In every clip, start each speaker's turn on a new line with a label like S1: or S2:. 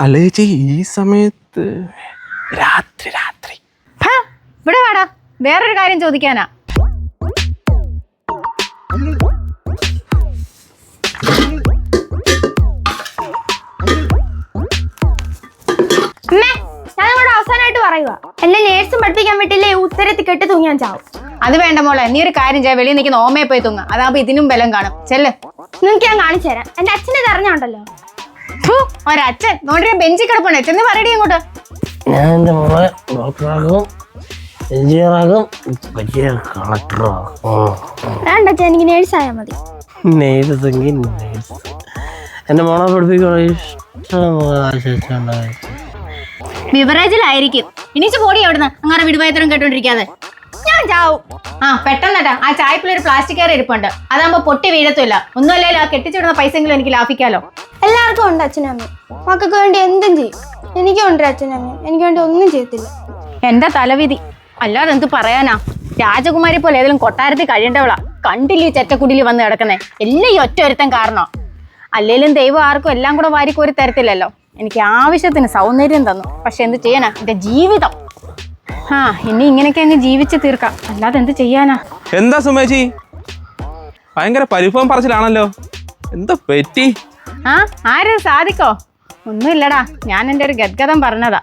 S1: അല്ല ചേച്ചി ഈ സമയത്ത് രാത്രി
S2: ഇവിടെ വാടാ, വേറൊരു കാര്യം ചോദിക്കാനാ.
S3: അവസാനമായിട്ട് പറയുക, എന്നെ നേഴ്സും പഠിപ്പിക്കാൻ പറ്റില്ലേ, ഉത്തരത്തിൽ കെട്ടി തൂങ്ങിയാൻ ചാവും.
S2: അത് വേണ്ട മോളെ, നീ ഒരു കാര്യം ചെയ്യാം, വെളിയിൽ നിൽക്കുന്ന ഓമയെ പോയി തൂങ്ങ, അതാകുമ്പോ ഇതിനും ബലം കാണും. ചെല്ല്,
S3: നിങ്ങൾക്ക് ഞാൻ കാണിച്ചു തരാം. എന്റെ അച്ഛനെ അറിഞ്ഞോണ്ടല്ലോ.
S2: ഒരച്ഛൻ നോണ്ടിയ ബെഞ്ചിൽ കിടപ്പുണ്ട്, ചെന്ന് പറയടി അങ്ങോട്ട്.
S4: ഞാൻ എൻ്റെ മോളെ ഡോക്ടറാകും, എഞ്ചിനീയറാകും, വലിയ കളക്ടറാകും.
S3: വേണ്ട അച്ഛൻ, എനിക്ക് നേഴ്സായാൽ മതി.
S4: നേഴ്സെങ്കിൽ നേഴ്സ്. എൻ്റെ മോളെ പഠിപ്പിക്കാൻ ഇഷ്ടം.
S2: ബിവറേജിലായിരിക്കും. ഇനിച്ച് പോടി അവിടുന്ന്, അങ്ങനെ വിടുവായത്തരം കേട്ടോണ്ടിരിക്കാതെ.
S3: ഞാൻ ചാവും.
S2: പെട്ടെന്നട്ടാ, ആ ചായപ്പിലൊരു പ്ലാസ്റ്റിക് കയറി ഇരിപ്പുണ്ട്, അതാകുമ്പോ പൊട്ടി വീഴത്തില്ല. ഒന്നുമല്ലല്ലോ, ആ കെട്ടിച്ചിടുന്ന പൈസെങ്കിലും എനിക്ക് ലാഭിക്കാലോ.
S3: എല്ലാവർക്കും ഉണ്ട് അച്ഛനും അമ്മയും, മക്കൾക്ക് വേണ്ടി എന്തും ചെയ്യും. എനിക്കും ഉണ്ട് അച്ഛനും അമ്മയും, എനിക്ക് വേണ്ടി ഒന്നും ചെയ്യത്തില്ല.
S2: എന്റെ തലവിധി, അല്ലാതെ എന്ത് പറയാനാ. രാജകുമാരി പോലെ ഏതെങ്കിലും കൊട്ടാരത്തിൽ കഴിയേണ്ടവളാ. കണ്ടില്ലേ ചെറ്റക്കുടിയിൽ വന്ന് കിടക്കുന്നേ, എല്ലാം ഈ ഒറ്റ ഒരുത്തൻ കാരണം. അല്ലേലും ദൈവം ആർക്കും എല്ലാം കൂടെ വാരിക്കോരി തരത്തില്ലല്ലോ. എനിക്ക് ആവശ്യത്തിന് സൗന്ദര്യം തന്നു, പക്ഷെ എന്ത് ചെയ്യാനാ, എന്റെ ജീവിതം. ഇനി ഇങ്ങനെയൊക്കെ അങ്ങ് ജീവിച്ച് തീർക്കാം, അല്ലാതെ എന്ത് ചെയ്യാനാ.
S1: എന്താ സുമേച്ചി, ഭയങ്കര പരിഭവം പറച്ചിലാണല്ലോ, എന്താ പറ്റി?
S2: ആരും സാധിക്കോ? ഒന്നുമില്ലടാ, ഞാൻ എൻ്റെ ഒരു ഗദ്ഗതം പറഞ്ഞതാ.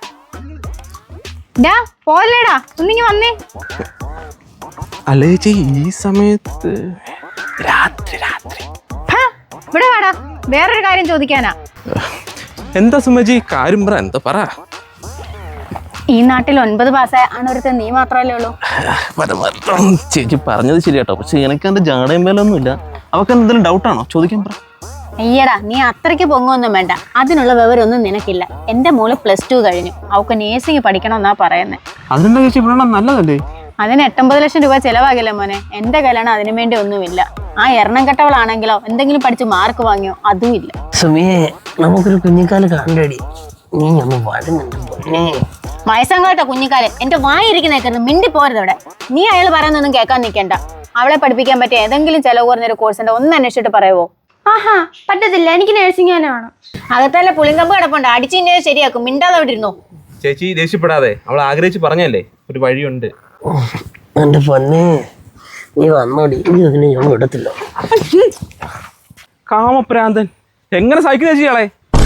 S2: ഡാ പോലെടാ, ഒന്നിങ്ങി വന്നേ.
S1: അല്ല ചേച്ചി ഈ സമയത്ത് രാത്രി
S2: ഇവിടെ വാടാ, വേറൊരു കാര്യം ചോദിക്കാനാ.
S1: എന്താ സുമേച്ചി, കാര്യം പറ, എന്താ പറ.
S2: ഈ നാട്ടിൽ 9 പാസ്സായ ആണൊരുത്തൻ നീ മാത്രമല്ലേ ഉള്ളൂ.
S1: ചേച്ചി പറഞ്ഞത് ശരിയാട്ടോ, പക്ഷെ എനിക്ക് എന്റെ ജാടയും മേലൊന്നുമില്ല. അവക്ക് എന്തെങ്കിലും ഡൗട്ടാണോ, ചോദിക്കാൻ പറ.
S2: അയ്യടാ, നീ അത്രയ്ക്ക് പൊങ്ങൊന്നും വേണ്ട, അതിനുള്ള വിവരമൊന്നും നിനക്കില്ല. എന്റെ മോള് +2 കഴിഞ്ഞു, അവൾക്ക് നേഴ്സിംഗ് പഠിക്കണമെന്നാ പറയുന്നത്.
S1: അതിനെന്താ ചേച്ചി പറയണം, നല്ലതല്ലേ?
S2: അതിന് 89 ലക്ഷം രൂപ ചെലവാകില്ല മോനെ. എന്റെ കല്യാണം അതിനു വേണ്ടി ഒന്നുമില്ല. ആ എണ്ണം കെട്ടവളാണെങ്കിലോ എന്തെങ്കിലും പഠിച്ച് മാർക്ക് വാങ്ങിയോ, അതും ഇല്ല.
S4: സുമിയെ, നമുക്കൊരു കുഞ്ഞിക്കാല് കണ്ടടി, നീ ഒന്ന് വരുന്നുണ്ട്.
S2: വയസ്സങ്ങോട്ടോ കുഞ്ഞിക്കാല്, എന്റെ വായിരിക്കുന്നേക്കുന്നു, മിണ്ടി പോരുത് അവിടെ. നീ അയാൾ പറയുന്നൊന്നും കേൾക്കാൻ നിൽക്കണ്ട. അവളെ പഠിപ്പിക്കാൻ പറ്റിയ ഏതെങ്കിലും ചെലവ് കുറഞ്ഞൊരു കോഴ്സിന്റെ ഒന്ന് അന്വേഷിച്ചിട്ട് പറയുവോ?
S3: പറ്റത്തില്ല, എനിക്ക് നേഴ്സിംഗ് തന്നെ വേണം.
S2: അകത്തല്ല പുളിങ്കമ്പ് കിടപ്പുണ്ട്, അടിച്ചിന്റെ ശരിയാക്കും, മിണ്ടാതെ അവിടെ ഇരുന്നോ.
S1: ചേച്ചി ദേഷ്യപ്പെടാതെ, അവൾ ആഗ്രഹിച്ച് പറഞ്ഞല്ലേ, ഒരു വഴിയുണ്ട്.
S4: എന്റെ പൊന്നെ, നീ വന്നോടി, നീ അതിനെ ഞാൻ വിടത്തില്ല.
S1: കാമപ്രാന്തൻ, എങ്ങനെ സഹിക്കുന്ന ചേച്ചിയാളെ.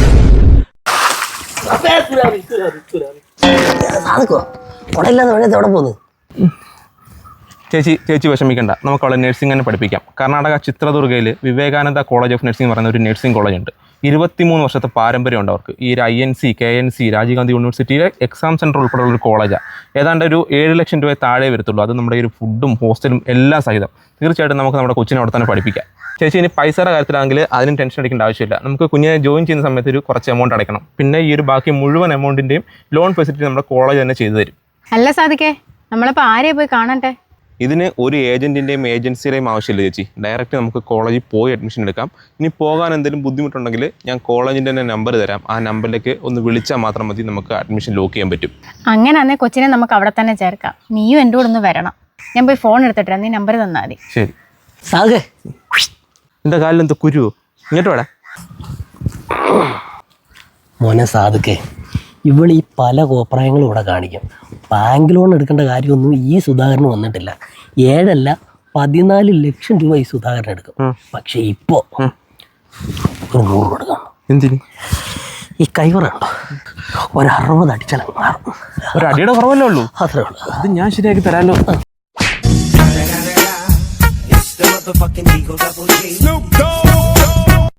S1: ചേച്ചി വിഷമിക്കണ്ട, നമുക്ക് അവളെ നഴ്സിംഗ് തന്നെ പഠിപ്പിക്കാം. കർണാടക ചിത്രദുർഗയിൽ വിവേകാനന്ദ കോളേജ് ഓഫ് നഴ്സിംഗ് പറയുന്ന ഒരു നഴ്സിംഗ് കോളേജ് ഉണ്ട്. 23 വർഷത്തെ പാരമ്പര്യമുണ്ട് അവർക്ക്. ഈ INC, KNC, രാജീവ് ഗാന്ധി യൂണിവേഴ്സിറ്റിയിലെ എക്സാം സെൻറ്റർ ഉൾപ്പെടെയുള്ള ഒരു കോളേജാണ്. ഏതാണ്ട് ഒരു 7 ലക്ഷം രൂപ താഴെ വരത്തുള്ളൂ. അത് നമ്മുടെ ഒരു ഫുഡും ഹോസ്റ്റലും എല്ലാം സഹിതം. തീർച്ചയായിട്ടും നമുക്ക് നമ്മുടെ കൊച്ചിനെ അവിടെ തന്നെ പഠിപ്പിക്കാം. ചേച്ചി ഇനി പൈസയുടെ കാര്യത്തിലാണെങ്കിൽ അതിനും ടെൻഷൻ അടിക്കേണ്ട ആവശ്യമില്ല. നമുക്ക് കുഞ്ഞിനെ ജോയിൻ ചെയ്യുന്ന സമയത്ത് ഒരു കുറച്ച് എമൗണ്ട് അടയ്ക്കണം. പിന്നെ ഈ ഒരു ബാക്കി മുഴുവൻ എമൗണ്ടിൻ്റെയും ലോൺ ഫെസിലിറ്റി നമ്മുടെ കോളേജ് തന്നെ ചെയ്തു തരും.
S2: അല്ല സാധിക്കേ, നമ്മളിപ്പോൾ ആരെയും പോയി കാണണ്ടേ?
S1: ഇതിന് ഒരു ഏജൻറ്റിൻ്റെയും ഏജൻസിയുടെയും ആവശ്യമില്ല ചേച്ചി. ഡയറക്റ്റ് നമുക്ക് കോളേജിൽ പോയി അഡ്മിഷൻ എടുക്കാം. ഇനി പോകാൻ എന്തെങ്കിലും ബുദ്ധിമുട്ടുണ്ടെങ്കിൽ ഞാൻ കോളേജിൻ്റെ തന്നെ നമ്പർ തരാം. ആ നമ്പറിലേക്ക് ഒന്ന് വിളിച്ചാൽ മാത്രം മതി, നമുക്ക് അഡ്മിഷൻ ലോക്ക് ചെയ്യാൻ പറ്റും.
S2: അങ്ങനെയാണെങ്കിൽ കൊച്ചിനെ നമുക്ക് അവിടെ തന്നെ ചേർക്കാം. നീയും എൻ്റെ കൂടെ ഒന്ന് വരണം. ഞാൻ പോയി ഫോൺ എടുത്തിട്ട് നീ നമ്പർ തന്നാൽ മതി.
S1: ശരി.
S4: സാധേ,
S1: എൻ്റെ കാലിൽ എന്താ കുരുവോ? ഇങ്ങോട്ട് വേടാ
S4: മോനെ സാധുക്കേ, ഇവളീ പല കോപ്രായങ്ങളും ഇവിടെ കാണിക്കും. ബാങ്ക് ലോൺ എടുക്കേണ്ട കാര്യമൊന്നും ഈ സുധാകരന് വന്നിട്ടില്ല. 7 അല്ല 14 ലക്ഷം രൂപ ഈ സുധാകരൻ എടുക്കും. പക്ഷെ ഇപ്പോ 100 രൂപ എടുക്കണം.
S1: എന്തിന്?
S4: ഈ കൈവറുണ്ടോ, 60 അടിച്ചാൽ മാറും.
S1: ഒരു അടിയുടെ കുറവല്ലേ ഉള്ളൂ,
S4: അത്രേ ഉള്ളൂ.
S1: അത് ഞാൻ ശരിയാക്കി തരാമല്ലോ.
S5: Snoop Dogg.